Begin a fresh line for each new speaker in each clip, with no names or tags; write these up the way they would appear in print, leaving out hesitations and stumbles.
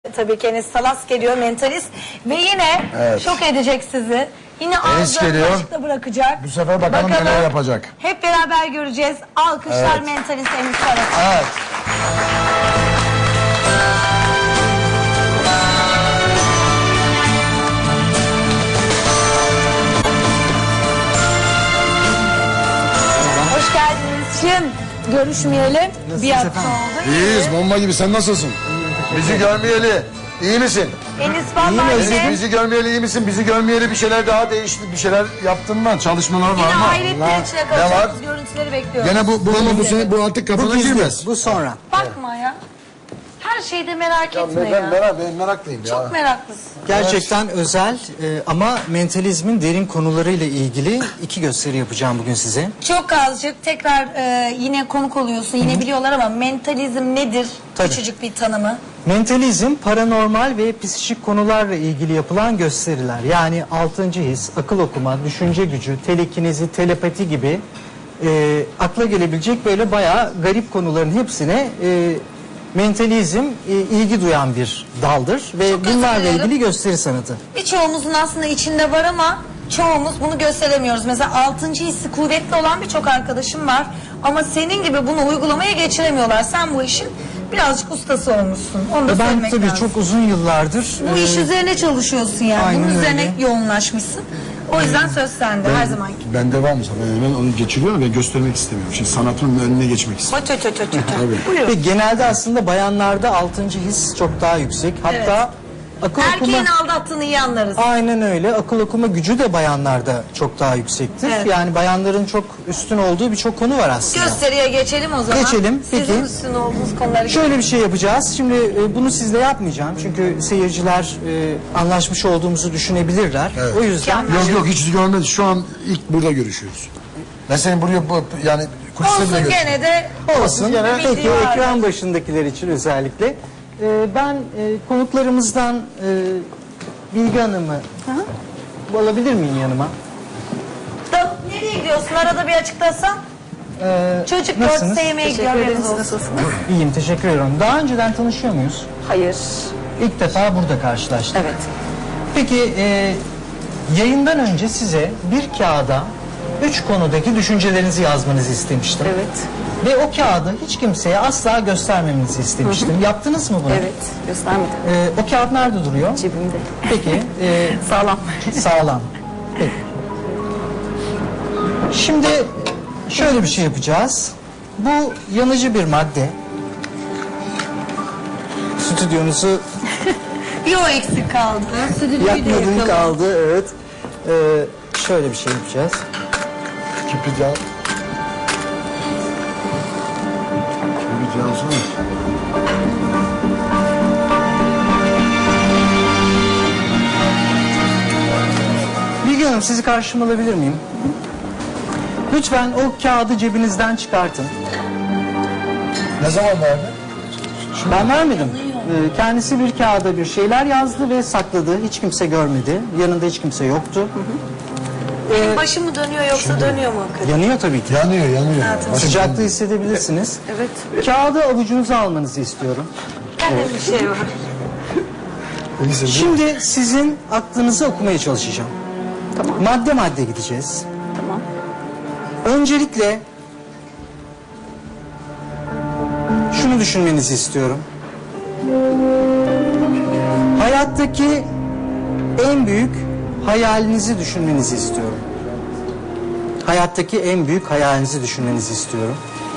Tabii ki Enis Salas geliyor, mentalist. Ve yine şok edecek sizi. Yine ağzını açıkta bırakacak.
Bu sefer bakalım neler yapacak.
Hep beraber göreceğiz. Alkışlar mentalist Enis Salas.
Evet.
Hoş geldiniz. Şimdi görüşmeyeli bir hafta oldu.
İyiyiz, bomba gibi. Sen nasılsın? Bizi görmeyeli. İyi misin?
Enis vallahi
Bizi görmeyeli iyi misin? Bizi görmeyeli bir şeyler daha değişti. Bir şeyler yaptın mı? Çalışmalar var
yine
mı?
hayretler içine kalacağımız görüntüleri bekliyoruz.
Gene bu artık kafana girmez.
Bu sonra.
Bakma ya. Her şeyde merak etme ya.
Ben meraklıyım ya.
Çok meraklısın.
Gerçekten özel ama mentalizmin derin konularıyla ilgili 2 gösteri yapacağım bugün size.
Çok azıcık tekrar yine konuk oluyorsun. Yine biliyorlar ama mentalizm nedir?
Tabii.
Küçücük bir tanımı.
Mentalizm, paranormal ve psikik konularla ilgili yapılan gösteriler. Yani 6. his, akıl okuma, düşünce gücü, telekinezi, telepati gibi akla gelebilecek böyle bayağı garip konuların hepsine mentalizm ilgi duyan bir daldır. Ve
Çok
bunlarla
katılıyorum.
ilgili gösteri sanatı.
Birçoğumuzun aslında içinde var ama çoğumuz bunu gösteremiyoruz. Mesela 6. hissi kuvvetli olan birçok arkadaşım var. Ama senin gibi bunu uygulamaya geçiremiyorlar. Sen bu işin birazcık ustası olmuşsun. Onu da
Ben
söylemek
tabii
lazım.
çok uzun yıllardır...
Bu iş üzerine çalışıyorsun yani.
Aynen
Bunun üzerine
öyle.
yoğunlaşmışsın. O yüzden söz sende her zamanki.
Bende var mı? Ben onu geçiriyorum ve göstermek istemiyorum. Şimdi sanatımın önüne geçmek istiyorum.
Buyurun.
Ve genelde aslında bayanlarda 6. his çok daha yüksek. Hatta akıl
Erkeğin
okuma...
aldattığını iyi anlarız.
Aynen öyle. Akıl okuma gücü de bayanlarda çok daha yüksektir.
Evet.
Yani bayanların çok üstün olduğu birçok konu var aslında.
Gösteriye geçelim o zaman.
Geçelim,
Sizin
peki.
üstün olduğunuz konuları.
Şöyle bir şey yapacağız. Şimdi bunu sizle yapmayacağım. Çünkü seyirciler anlaşmış olduğumuzu düşünebilirler. O yüzden...
Yok hiç görmedim. Şu an ilk burada görüşüyoruz. Ben senin buraya yani kuliste bile
Olsun
görüşüyorum.
gene de
Olsun.
Bir
Peki
video vardır.
ekran başındakiler için özellikle. Ben konuklarımızdan Bilge Hanım'ı alabilir miyim yanıma?
Nereye gidiyorsun? Arada bir açıklasan. Çocuk
nasılsınız?
dört sevmeye gidiyor. haberiniz olsun.
İyiyim, teşekkür ederim. Daha önceden tanışıyor muyuz?
Hayır.
İlk defa burada karşılaştık.
Evet.
Peki yayından önce size bir kağıda 3 konudaki düşüncelerinizi yazmanızı istemiştim.
Evet.
Ve o kağıdı hiç kimseye asla göstermemenizi istemiştim. Yaptınız mı bunu?
Evet. Göstermedim.
O kağıt nerede duruyor?
Cebimde.
Peki.
Sağlam.
Sağlam. Peki. Şimdi şöyle bir şey yapacağız. Bu yanıcı bir madde. Stüdyonuzu
Bir o eksik kaldı. Stüdyoyu da
yakmadığım
yakalım.
kaldı. Evet. Şöyle bir şey yapacağız.
Kibrit yağı. Kibrit yağı alsana.
Bilge Hanım, sizi karşıma alabilir miyim? Lütfen o kağıdı cebinizden çıkartın.
Ne zaman verdi?
Ben vermedim. Kendisi bir kağıda bir şeyler yazdı ve sakladı. Hiç kimse görmedi. Yanında hiç kimse yoktu.
Benim başım mı dönüyor yoksa dönüyor mu hakikaten?
Yanıyor tabii ki.
Yanıyor.
Hayatım.
Sıcaklığı hissedebilirsiniz.
Evet.
Kağıdı avucunuza almanızı istiyorum.
Bende bir şey var.
Şimdi sizin aklınızı okumaya çalışacağım.
Tamam.
Madde madde gideceğiz.
Tamam.
Öncelikle şunu düşünmenizi istiyorum. Hayattaki en büyük hayalinizi düşünmenizi istiyorum. Hayattaki en büyük hayalinizi düşünmenizi istiyorum.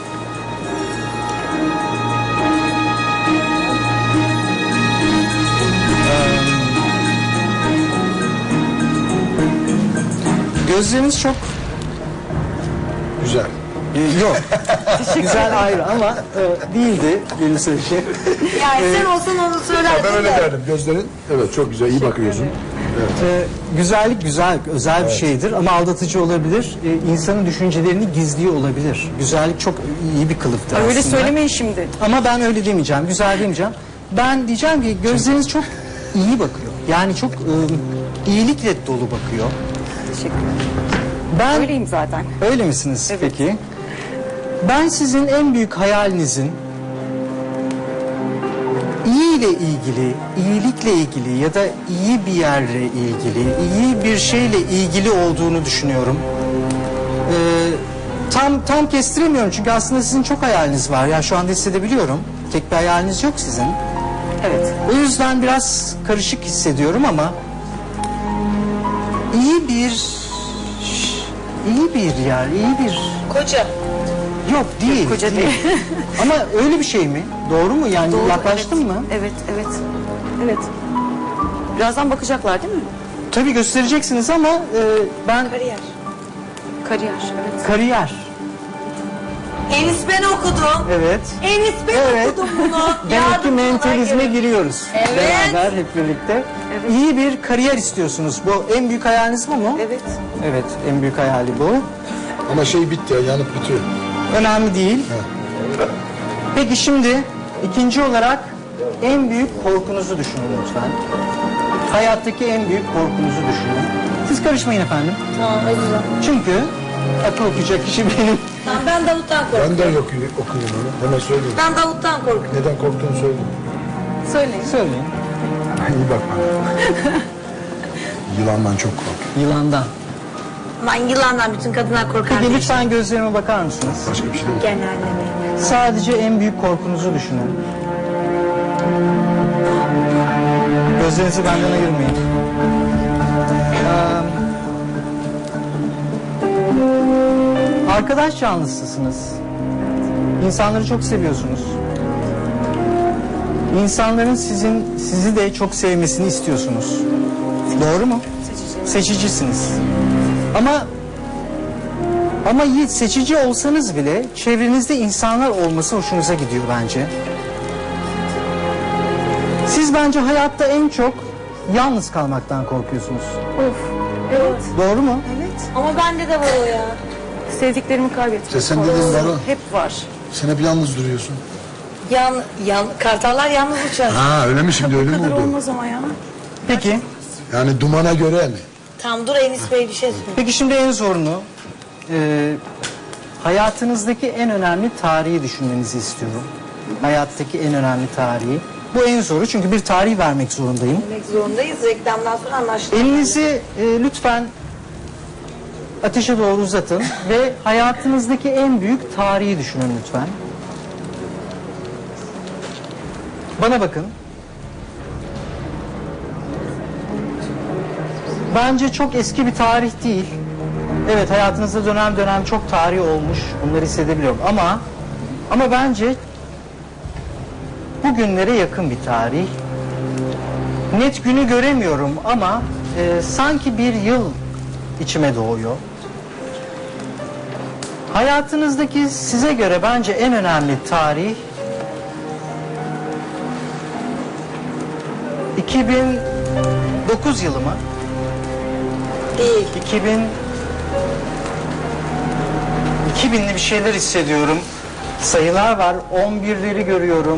Gözleriniz çok
Güzel.
yok. Güzel ayrı ama değildi benim söyleyeceğim.
Yani sen olsan onu söylerdin
Ben öyle
de.
derdim. Gözlerin evet çok güzel. İyi bakıyorsun.
Güzellik güzel, özel bir şeydir ama aldatıcı olabilir. İnsanın düşüncelerini gizliyor olabilir. Güzellik çok iyi bir kılıftır
Öyle
aslında.
söylemeyin şimdi.
Ama ben öyle demeyeceğim, güzel demeyeceğim. Ben diyeceğim ki gözleriniz çok iyi bakıyor. Yani çok iyilikle dolu bakıyor.
Teşekkür ederim.
Ben
Öyleyim zaten.
öyle misiniz
Evet.
peki? Ben sizin en büyük hayalinizin iyi ile ilgili, iyilikle ilgili ya da iyi bir yerle ilgili, iyi bir şeyle ilgili olduğunu düşünüyorum. Tam kestiremiyorum çünkü aslında sizin çok hayaliniz var. Ya şu anda hissedebiliyorum. Tek bir hayaliniz yok sizin.
Evet.
O yüzden biraz karışık hissediyorum ama iyi bir yer, iyi bir
Koca.
yok değil.
Koca değil.
Ama öyle bir şey mi? Doğru mu? Yani
Doğru,
yaklaştın
evet.
mı?
Evet, evet. Evet. Birazdan bakacaklar değil mi?
Tabii göstereceksiniz ama ben
Kariyer.
Kariyer, evet.
kariyer.
Enis ben okudum.
Evet.
Enis ben
Evet.
okudum bunu.
Demek ki
Yardımcı olarak
mentalizme
gelin.
giriyoruz.
Evet.
Beraber hep birlikte. İyi bir kariyer istiyorsunuz. Bu en büyük hayaliniz bu mu?
Evet.
Evet, en büyük hayali bu.
Ama şey bitti ya, yanıp bitiyor.
Önemli değil. Peki şimdi ikinci olarak en büyük korkunuzu düşünün lütfen. Hayattaki en büyük korkunuzu düşünün. Siz karışmayın efendim.
Tamam özür
Çünkü akıl okuyacak kişi benim.
Tamam ben Davut'tan korkuyorum.
Ben de okuyayım onu. Hemen söyleyeyim.
Ben Davut'tan korkuyorum.
Neden korktuğunu söyleyeyim.
Söyleyin.
Söyleyin.
İyi bak bana. Yılandan çok korkuyorum.
Yılandan.
Ben yılandan bütün kadınlar korkar.
Peki lütfen gözlerime bakar mısınız?
Başka bir şey değil.
Genelde.
Sadece en büyük korkunuzu düşünün. Gözlerinizi benden ayırmayın. Arkadaş canlısısınız. İnsanları çok seviyorsunuz. İnsanların sizi de çok sevmesini istiyorsunuz. Doğru mu? Seçicisiniz. Ama seçici olsanız bile çevrenizde insanlar olması hoşunuza gidiyor bence. Siz bence hayatta en çok yalnız kalmaktan korkuyorsunuz.
Of. Evet.
Doğru mu?
Evet.
Ama bende de var o ya.
Sevdiklerimi kaybetmek.
İşte sen dediğin var o.
Hep var.
Sen hep yalnız duruyorsun.
Kartallar yalnız uçar.
Ha öyle mi şimdi, öyle mi oldu?
Olmaz ama ya.
Peki.
Yani dumana göre mi?
Tamam dur Enis Bey bir şey söyle.
Peki şimdi en zorunu hayatınızdaki en önemli tarihi düşünmenizi istiyorum. Hayattaki en önemli tarihi. Bu en zoru çünkü bir tarih vermek zorundayım.
Demek zorundayız. Reklamdan sonra anlaştık.
Elinizi lütfen ateşe doğru uzatın ve hayatınızdaki en büyük tarihi düşünün lütfen. Bana bakın. Bence çok eski bir tarih değil. Evet hayatınızda dönem dönem çok tarih olmuş. Bunları hissedebiliyorum ama bence bugünlere yakın bir tarih. Net günü göremiyorum ama sanki bir yıl içime doğuyor. Hayatınızdaki size göre bence en önemli tarih 2009 yılı mı?
Değil.
2000'li bir şeyler hissediyorum. Sayılar var. 11'leri görüyorum.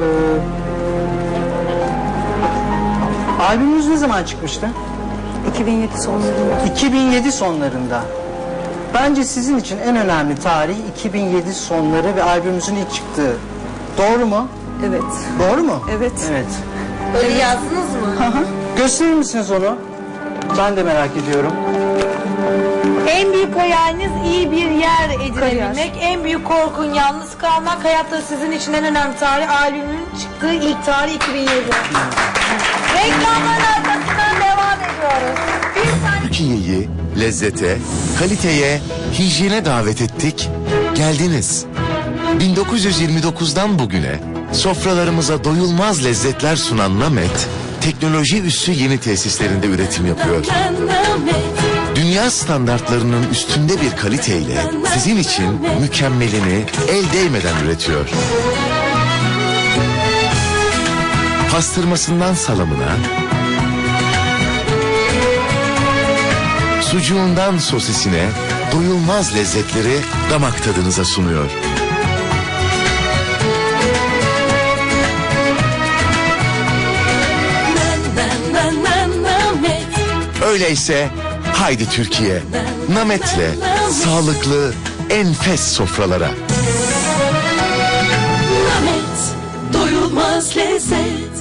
Albümünüz ne zaman çıkmıştı?
2007 sonlarında.
2007 sonlarında. Bence sizin için en önemli tarih 2007 sonları ve albümünüzün ilk çıktığı. Doğru mu?
Evet.
Doğru mu?
Evet.
Evet.
Öyle yazdınız mı?
Gösterir misiniz onu? Ben de merak ediyorum.
En büyük hayaliniz iyi bir yer edinebilmek.
Kariyer.
En büyük korkun yalnız kalmak. Hayatta sizin için en önemli tarih. Albümün çıktığı ilk tarih 2007. Reklamların arkasından devam ediyoruz. Bir saniye.
Türkiye'yi lezzete, kaliteye, hijyene davet ettik. Geldiniz. 1929'dan bugüne sofralarımıza doyulmaz lezzetler sunan Namet, teknoloji üssü yeni tesislerinde üretim yapıyor. Dünya standartlarının üstünde bir kaliteyle sizin için mükemmelini el değmeden üretiyor. Pastırmasından salamına, sucuğundan sosisine doyulmaz lezzetleri damak tadınıza sunuyor. Öyleyse haydi Türkiye, Namet'le sağlıklı, enfes sofralara.
Namet, doyulmaz lezzet.